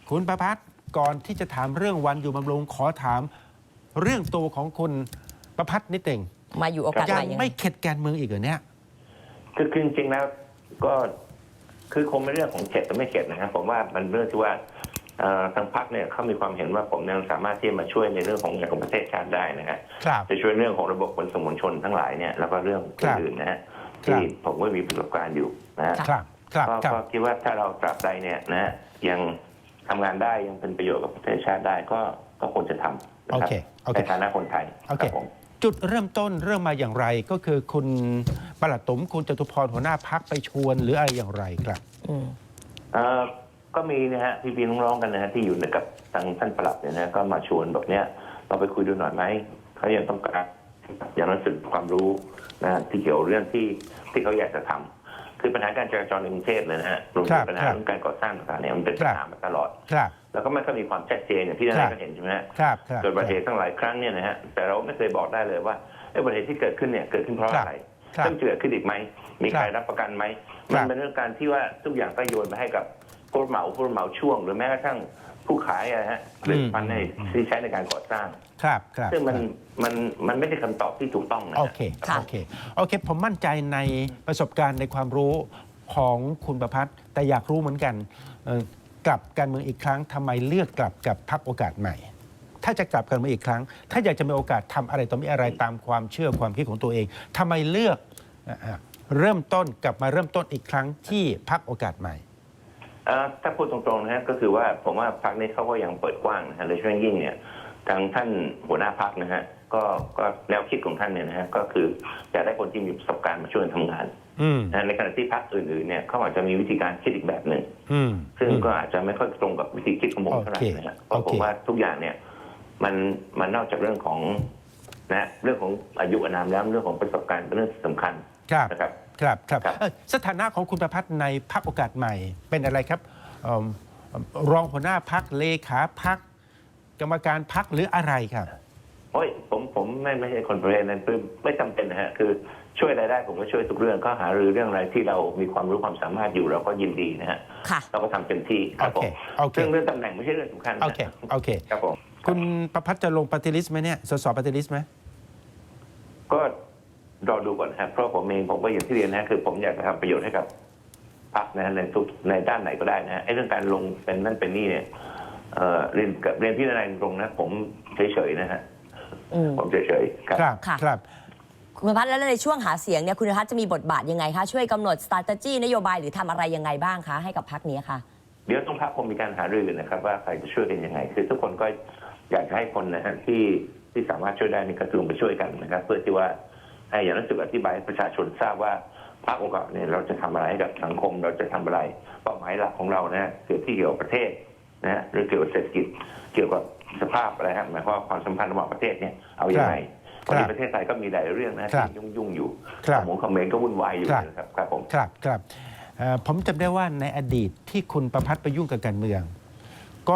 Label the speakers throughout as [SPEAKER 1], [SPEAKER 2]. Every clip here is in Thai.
[SPEAKER 1] คุณประภัสก่อนที่จะถามเรื่องวันอยู่บำรุงขอถามเรื่องตัวของคุณประภัสนิดหนึ่ง
[SPEAKER 2] มาอยู่โอกาส
[SPEAKER 1] ยั
[SPEAKER 2] ใหม่
[SPEAKER 1] ง
[SPEAKER 2] ยังไง
[SPEAKER 1] ไม่เข็ดการเมืองอีกเหรอเนี่ย
[SPEAKER 3] คือจริงๆแล้วก็คือคงเป็นเรื่องของเข็ดแต่ไม่เข็ดนะครับผมว่ามันเรื่องที่ว่าทางพรรคเนี่ยเขามีความเห็นว่าผมยังสามารถที่จะมาช่วยในเรื่องของประเทศชาติได้นะฮะ
[SPEAKER 1] ครับ
[SPEAKER 3] จะช่วยเรื่องของระบบขนส่งมวลชนทั้งหลายเนี่ยแล้วก็เรื่องอื่นๆนะฮะที่ผมก็มีประสบการณ์อยู่นะฮะ
[SPEAKER 1] ครับครับครับ
[SPEAKER 3] ก็คิดว่าถ้าเราตราบใดเนี่ยนะฮะยังทำงานได้ยังเป็นประโยชน์กับประเทศชาติได้ก็ควรจะทำนะ
[SPEAKER 1] โอ
[SPEAKER 3] ครับ
[SPEAKER 1] เคโอเค
[SPEAKER 3] ในฐานะคนไทย
[SPEAKER 1] โอ
[SPEAKER 3] ค
[SPEAKER 1] เค
[SPEAKER 3] รับผม
[SPEAKER 1] จุดเริ่มต้นเริ่มมาอย่างไรก็คือคุณปลัดตุ๋มคุณจตุพรหัวหน้าพักไปชวนหรืออะไรอย่างไรครับ
[SPEAKER 2] อืม
[SPEAKER 3] ก็มีนะฮะพี่น้องๆกันนะฮะที่อยู่กับทางท่านปลัดเนี่ยนะก็มาชวนแบบเนี้ยเราไปคุยดูหน่อยไหมเขายังต้องการอย่างนั้นสึกความรู้นะที่เกี่ยวเรื่องที่เขาอยากจะทำคือปัญหาการจราจรในกรุงเทพเลยนะฮะรวมถึงปัญหาเรื่องการก่อสร้างต่างๆเนี่ยมันเป็นปัญหามาตลอด
[SPEAKER 1] ครับ
[SPEAKER 3] แล้วก็ไม่ค่อยมีความชัดเจนอย่างที่ท่านก็เห็นใช่ไหมฮะ
[SPEAKER 1] ครับครับ
[SPEAKER 3] เกิดอุบัติเหตุตั้งหลายครั้งเนี่ยนะฮะแต่เราไม่เคยบอกได้เลยว่าอุบัติเหตุที่เกิดขึ้นเนี่ยเกิดขึ้นเพราะอะไรต้องเกิดขึ้นอีกไหมมีใครรับประกันไหมมันเป็นเรื่องการที่ว่าทุกอย่างก็โยนไปให้กับผู้รับเหมาช่วงหรือแม้กระทั่งผู้ขายอะฮะผลิตภัณฑ์ที่ใช้ในการก่อสร้าง
[SPEAKER 1] ครับครับ
[SPEAKER 3] ซึ่งมันไม่ใช่คำตอบที่ถูกต้องนะ
[SPEAKER 1] โอเคโอเคโอเคผมมั่นใจในประสบการณ์ในความรู้ของคุณประภัสแต่อยากรู้เหมือนกันกลับการเมืองอีกครั้งทำไมเลือกกลับกับพรรคโอกาสใหม่ ถ้าจะกลับกันมาอีกครั้ง ถ้าอยากจะมีโอกาสทำอะไรต่อมีอะไรตามความเชื่อความคิดของตัวเองทำไมเลือกเริ่มต้นกลับมาเริ่มต้นอีกครั้งที่พรรคโอกาสใหม่
[SPEAKER 3] ถ้าพูดตรงๆนะฮะก็คือว่าผมว่าพรรคนี้เขาก็ยังเปิดกว้างนะฮะโดยเฉพาะยิ่งเนี่ยทางท่านหัวหน้าพรรคนะฮะก็แนวคิดของท่านเนี่ยนะฮะก็คืออยากได้คนที่มีประสบการณ์มาช่วยทำงานในขณะที่พรรคอื่นๆเนี่ยเขาอาจจะมีวิธีการคิดอีกแบบหนึ่งซึ่งก็อาจจะไม่ค่อยตรงกับวิธีคิดของผมเท่าไหร่นะฮะเพราะผมว่าทุกอย่างเนี่ยมันนอกจากเรื่องของนะเรื่องของอายุอานามแล้วเรื่องของประสบการณ์เป็นเรื่องสำคัญนะครับ
[SPEAKER 1] ครับครับสถานะของคุณประภัสในพรรคโอกาสใหม่เป็นอะไรครับรองหัวหน้าพรรคเลขาพรรคกรรมการพรรคหรืออะไรครับ
[SPEAKER 3] โอ้ยผมไม่ใช่คนประเภทนั้นไม่จำเป็นนะฮะคือช่วยอะไรได้ผมก็ช่วยทุกเรื่องก็หารือเรื่องอะไรที่เรามีความรู้ความสามารถอยู่เราก็ยินดีนะฮะเราก็ทำเต็มที่ครับผมเรื่องตำแหน่งไม่ใช่เรื่องสำคัญ
[SPEAKER 1] โอเค
[SPEAKER 3] ครับผม
[SPEAKER 1] คุณประภัสจะลงปฏิริษีไหมเนี่ยสสปฏิริษีไหม
[SPEAKER 3] ก็รอดูก่อนครับเพราะผมเองผมก็อย่างที่เรียนนะคือผมอยากจะทำประโยชน์ให้กับพรรคนะในด้านไหนก็ได้นะไอ้เรื่องการลงเป็นนั่นเป็นนี่เนี่ยเรียนพี่นายตรงนะผมเฉยๆนะฮะผมเฉยๆครับ
[SPEAKER 1] ครับ
[SPEAKER 2] คุณประภัสแล้วในช่วงหาเสียงเนี่ยคุณประภัสจะมีบทบาทยังไงคะช่วยกำหนด strategy นโยบายหรือทำอะไรยังไงบ้างคะให้กับพรรคนี้ค่ะ
[SPEAKER 3] เดี๋ยวต้องพรรคคงมีการหารือนะครับว่าใครจะช่วยกันยังไงคือทุกคนก็อยากจะให้คนนะฮะที่สามารถช่วยได้ในกระทรวงไปช่วยกันนะครับเพื่อที่ว่าอย่างนั้นสึกอธิบายให้ประชาชนทราบว่าพรรคองค์กรเนี่ยเราจะทำอะไรให้กับสังคมเราจะทำอะไรเป้าหมายหลักของเรานะเกี่ยวที่เกี่ยวกับประเทศนะฮะหรือเกี่ยวกับเศรษฐกิจเกี่ยวกับสภาพอะไรฮะหมายความว่าความสัมพันธ์ระหว่างประเทศเนี่ยเอาอย่างไรวันนี้ประเทศไทยก็มีหลายเรื่องนะที่ยุ่งอยู่คอมเมนต์ก็วุ่นวายอยู่นะครับครับผม
[SPEAKER 1] ครับผมจำได้ว่าในอดีตที่คุณประภัสไปยุ่งกับการเมืองก็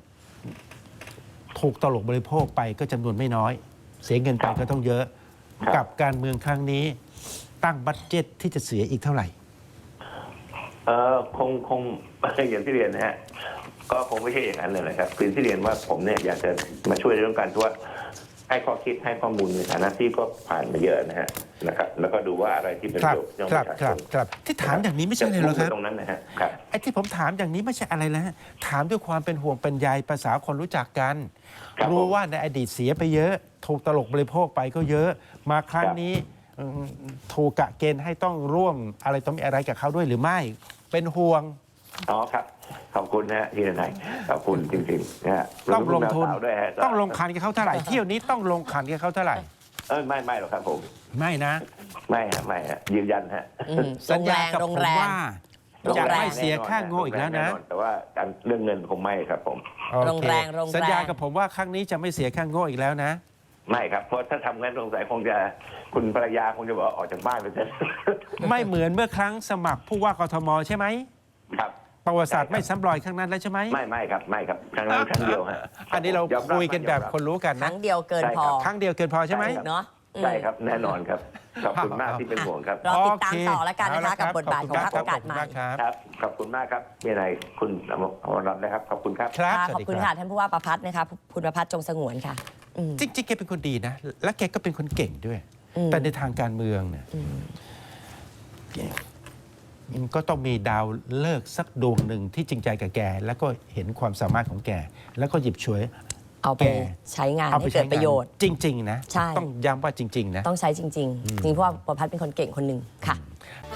[SPEAKER 1] ถูกตลกบริโภคไปก็จำนวนไม่น้อยเสียเงินไปก็ต้องเยอะกับการเมืองครั้งนี้ตั้งบัดเจ็ตที่จะเสียอีกเท่าไหร่
[SPEAKER 3] คงอย่างที่เรียนนะฮะก็คงไม่ใช่อย่างนั้นเลยนะครับคือที่เรียนว่าผมเนี่ยอยากจะมาช่วยในเรื่องการที่ว่าให้ข้อคิดให้ข้อมูลในฐานะที่ก็ผ่านมาเยอะนะครับแล้วก็ดูว่าอะไรที่เป็นประโยชน์ต่อประชาชน
[SPEAKER 1] ครับที่ถามอย่างนี้ไม่ใช่อะไรหรอกครับ
[SPEAKER 3] ตรงนั้นนะฮะ
[SPEAKER 1] ไอ้ที่ผมถามอย่างนี้ไม่ใช่อะไรแล้วถามด้วยความเป็นห่วงเป็นใยภาษาคนรู้จักกันรู้ว่าในอดีตเสียไปเยอะถูกตลกบริโภคไปก็เยอะมาครั้งนี้ถูกกะเกณฑ์ให้ต้องร่วมอะไรต้องมีอะไรกับเขาด้วยหรือไม่เป็นห่วง
[SPEAKER 3] ครับขอบคุณนะพี่นายขอบคุณจริงๆนะ
[SPEAKER 1] ต้องลงทุนต้องลงขันกับเขาเท่าไหร่เที่ยวนี้ต้องลงขันกับเขาเท่าไหร่
[SPEAKER 3] ไม่หรอกครับผม
[SPEAKER 1] ไม่นะ
[SPEAKER 3] ไม่ยืนยันฮะ
[SPEAKER 1] สัญญากับผมว่าจะไม่เสียค่าโง่อีกแล้วนะ
[SPEAKER 3] แต่ว่าเรื่องเงินคงไม่ครับผม
[SPEAKER 2] โรงแรง
[SPEAKER 1] สัญญากับผมว่าครั้งนี้จะไม่เสียค่าโง่อีกแล้วนะ
[SPEAKER 3] ไม่ครับเพราะถ้าทำงั้นสงสัยคงจะคุณภรรยาคงจะบอกออกจากบ้านไปเถอะ
[SPEAKER 1] ไม่เหมือนเมื่อครั้งสมัครผู้ว่ากทมใช่ไหม
[SPEAKER 3] ครับ
[SPEAKER 1] ประวัติศาสตร์ไม่ซ้ำรอยครั้งนั้นแล้วใช่ไหม
[SPEAKER 3] ไม่ครับครั้งนั้นครั้งเดียวฮะ
[SPEAKER 1] อันนี้เราคุยกันแบบคนรู้กันนะ
[SPEAKER 2] ครั้งเดียวเกินพอ
[SPEAKER 1] ครั้งเดียวเกินพอใช่ไหม
[SPEAKER 2] เนาะ
[SPEAKER 3] ใช่ครับแน่นอนครับขอบคุณมากที่เป็นห่วงครับ
[SPEAKER 2] รอติดตามต่อแล้วกันนะคะ
[SPEAKER 1] โอเค
[SPEAKER 2] กับบทบาทของพรรคโอกาสใหม่
[SPEAKER 1] ขบคุณมากครับ
[SPEAKER 3] ครับขอบคุณมากครับมีอะไรคุณอมรรัตน์นะครับขอบคุณครับ
[SPEAKER 1] ครับ
[SPEAKER 2] ค่ะ
[SPEAKER 1] ส
[SPEAKER 2] ข
[SPEAKER 1] วั
[SPEAKER 2] อ
[SPEAKER 1] ส
[SPEAKER 2] บ
[SPEAKER 1] ดี
[SPEAKER 2] คุณ
[SPEAKER 1] รั
[SPEAKER 2] ค่ะท่านผู้ว่าประพัฒน์นะคะคุณประพัฒน์จงสงวนค่ะอืม
[SPEAKER 1] จริงๆแกเป็นคนดีนะ และแกก็เป็นคนเก่งด้วย
[SPEAKER 2] อืม
[SPEAKER 1] แต่ในทางการเมืองเนี่ย
[SPEAKER 2] อืม
[SPEAKER 1] มันก็ต้องมีดาวเลิกษ์สักดวงหนึ่งที่จริงใจกับแก แล้วก็เห็นความสามารถของแก แล้วก็หยิบฉวย
[SPEAKER 2] เอาไป
[SPEAKER 1] แก
[SPEAKER 2] ใช้งาน
[SPEAKER 1] เอาไป
[SPEAKER 2] ให้
[SPEAKER 1] ใช้
[SPEAKER 2] เกิดประโยชน์
[SPEAKER 1] จริง ๆ นะ
[SPEAKER 2] ใช่
[SPEAKER 1] ต้องย้ำว่าจริง ๆ นะ
[SPEAKER 2] ต้องใช้จริงๆจริงเพราะว่าประพัฒน์เป็นคนเก่งคนหนึ่งค่ะ